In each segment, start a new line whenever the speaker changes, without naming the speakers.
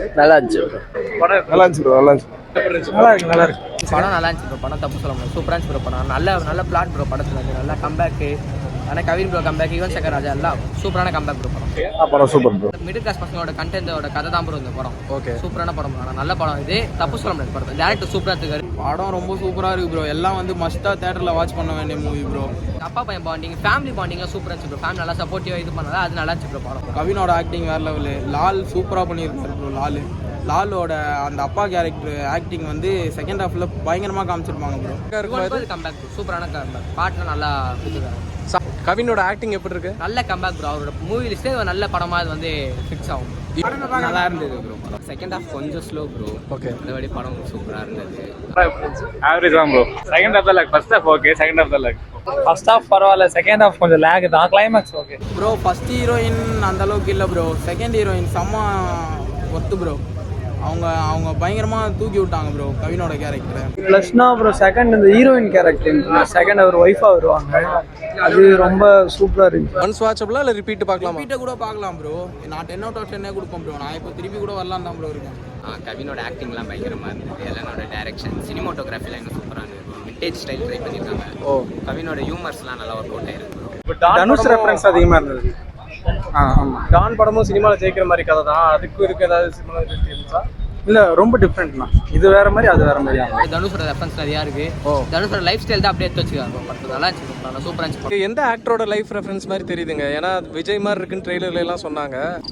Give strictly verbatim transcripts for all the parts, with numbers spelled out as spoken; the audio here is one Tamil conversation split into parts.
நல்லா இருந்துச்சு
படம் நல்லா இருந்துச்சு ப்ரோ நல்லா இருந்துச்சு நல்லா இருக்கு நல்லா இருக்கு
படம் நல்லா இருந்துச்சு ப்ரோ படம் தப்பு சொல்ல முடியாது சூப்பராக இருந்துச்சு ப்ரோ படம் நல்ல நல்ல பிளாட் ப்ரோ படத்தில் வந்து நல்லா கம்பேக்கு ஆனால் கவின் ப்ரோ கம்பேக் யுவன் சங்கர் ராஜா எல்லாம் சூப்பரான கம்பேக் ப்ரோ படம்
படம் சூப்பர் ப்ரோ
மிடில் கிளாஸ் பசங்களோட கண்டென்ட்டோட கதை தான் ப்ரோ இந்த படம்
ஓகே
சூப்பரான படம் ஆனால் நல்ல படம் இது தப்பு சொல்ல முடியாது படம் டேரக்டர் சூப்பராக இருக்காரு
படம் ரொம்ப சூப்பராக இருக்குது ப்ரோ எல்லாம் வந்து மஸ்ட்டாக தேட்டரில் வாட்ச் பண்ண வேண்டிய மூவி ப்ரோ
அப்பா பையன் பாண்டிங் ஃபேமிலி பாண்டிங்லாம் சூப்பராக இருந்துச்சு ப்ரோ ஃபேமிலி நல்லா சப்போர்ட்டிவாக இது பண்ணாதான் அது நல்லா இருந்துச்சு ப்ரோ படம்
கவினோட ஆக்டிங் வேறு லெவலு லால் சூப்பராக பண்ணியிருக்காரு ப்ரோ லால் லாலோட அந்த அப்பா கேரக்டர் ஆக்டிங் வந்து செகண்ட் ஹாஃபில் பயங்கரமாக காமிச்சிருப்பாங்க ப்ரோ
கம்பேக் சூப்பரான கம்பேக் பாட்டுலாம் நல்லா கொடுத்துருக்காங்க
கவினோட ஆக்டிங் எப்படி இருக்கு
நல்ல கம்பேக் ப்ரோ அவரோட மூவி லிஸ்ட்டே நல்ல படமாக அது வந்து ஃபிக்ஸ் ஆகும்
நல்லா இருந்தது ப்ரோ படம்
செகண்ட் ஹாஃப் கொஞ்சம் ஸ்லோ ப்ரோ
ஓகே
மற்றபடி படம் சூப்பராக இருந்தது
ஆவரேஜ் தான் ப்ரோ செகண்ட் ஹாஃப் தான் lag first half okay second half தான் லேக்
ஃபர்ஸ்ட் ஹாஃப் பரவாயில்ல செகண்ட் ஹாஃப் கொஞ்சம் லேக் தான் climax okay
bro first heroine அந்த அளவுக்கு இல்லை ப்ரோ செகண்ட் ஹீரோயின் செம்ம ஒத்து ப்ரோ அவங்க அவங்க பயங்கரமாக தூக்கி விட்டாங்க ப்ரோ கவினோட கேரக்டர்
ப்ளஸ்னா அப்புறம் செகண்ட் இந்த ஹீரோயின் கேரக்டர் செகண்ட் அவர் ஒய்ஃபாக வருவாங்க அது ரொம்ப சூப்பராக இருந்துச்சு
ஒன்ஸ் வாட்சபிளா இல்லை ரிப்பீட் பார்க்கலாமா
ரிப்பீட்டை கூட பார்க்கலாம் ப்ரோ நான் டென் அவுட் ஆஃப் டென்னே கொடுப்பேன் ப்ரோ நான் இப்போ திருப்பி கூட வரலாம் தான் ப்ரோ இருக்கேன்
கவினோட ஆக்டிங்லாம் பயங்கரமாக இருந்தது எல்லானோட டைரக்ஷன் சினிமோட்டோகிராஃபிலாம் எனக்கு சூப்பராக இருந்தது விண்டேஜ் ஸ்டைல் ட்ரை பண்ணியிருக்காங்க ஓ கவினோட ஹியூமர்ஸ்லாம் நல்லா ஒர்க் அவுட் ஆயிருக்கு
தனுஷ் ரெஃபரன்ஸ் அதிகமாக இருந்தது ஆ ஆமாம்
டான் படமும் சினிமாவில் ஜெயிக்கிற மாதிரி கதை தான் அதுக்கு இருக்கு ஏதாவது சினிமாவில் இருந்துச்சா
இல்லை ரொம்ப டிஃப்ரெண்ட்னா இது வேற மாதிரி அது வேற மாதிரி
தனுஷோட ரெஃபரன்ஸ் நிறையா இருக்கு தனுஷோட லைஃப் ஸ்டைல் தான் அப்படியே எடுத்து வச்சுக்காங்க படத்தில் நல்லா இருந்துச்சு சூப்பராக இருந்துச்சு
எந்த ஆக்டரோட லைஃப் ரெஃபரன்ஸ் மாதிரி தெரியுதுங்க ஏன்னா விஜய் மாதிரி இருக்குன்னு ட்ரெய்லர்ல எல்லாம் சொன்னாங்க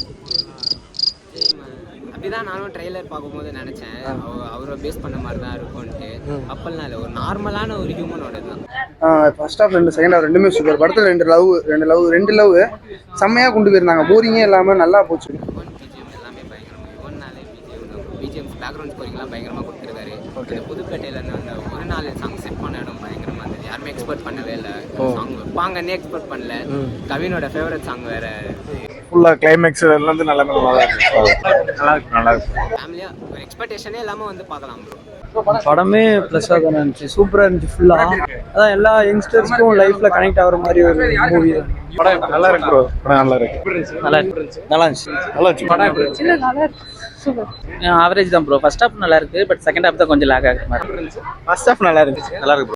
அப்படிதான் நானும் ட்ரெய்லர் பார்க்கும்போது நினைச்சேன் அவரை பேஸ் பண்ண மாதிரி தான் இருக்கும்ட்டு அப்பெல்லாம் இல்லை ஒரு நார்மலான ஒரு ஹியூமனோட தான்
ஃபர்ஸ்ட் ஹாஃப் ரெண்டு செகண்ட் ஹாஃப் ரெண்டுமே சூப்பர் படத்தில் ரெண்டு லவ் ரெண்டு லவ் ரெண்டு லவ் செம்மையாக கொண்டு போயிருந்தாங்க போரிங்கே இல்லாமல் நல்லா போச்சு
பிஜிஎம் எல்லாமே பயங்கரமாக யுவன்னாலே பிஜிஎம் பிஜிஎம் பேக்ரவுண்ட் ஸ்கோரிங்லாம் பயங்கரமாக கொடுத்துருக்காரு ஓகே புதுப்பேட்டையில் அந்த ஒரு நாலு சாங் செட் பண்ண இடம் பயங்கரமாக இருந்தது யாருமே எக்ஸ்பெக்ட் பண்ணவே இல்லை சாங் வைப்பாங்கன்னே எக்ஸ்பெக்ட் பண்ணல கவினோட ஃபேவரட் சாங் வேற
ஃபுல்லாக கிளைமேக்ஸ் எல்லாம் நல்லா நல்லா இருக்கு நல்லா இருக்கு நல்லா இருக்கு
ஃபேமிலியாக ஒரு எக்ஸ்பெக்டேஷனே இல்லாமல் வந்து பார்க்கலாம் ப்ரோ
படமே ப்ளஸ்ஸாக தானே இருந்துச்சு சூப்பராக இருந்துச்சு ஃபுல்லாக அதான் எல்லா யங்ஸ்டர்ஸ்க்கும் லைஃப்பில் கனெக்ட் ஆகிற மாதிரி ஒரு மூவி தான்
படம் நல்லா இருக்கு ப்ரோ படம் நல்லா இருக்கு
நல்லா இருந்துச்சு நல்லா இருந்துச்சு
நல்லா இருந்துச்சு படம்
நல்லா இருக்கு சூப்பர்
ஆவரேஜ் தான் ப்ரோ ஃபர்ஸ்ட் ஹாஃப் நல்லா இருக்கு பட் செகண்ட் ஹாஃப் தான் கொஞ்சம் லேக் ஆகிற மாதிரி
ஃபர்ஸ்ட் ஹாஃப் நல்லா இருந்துச்சு
நல்லா இருக்கு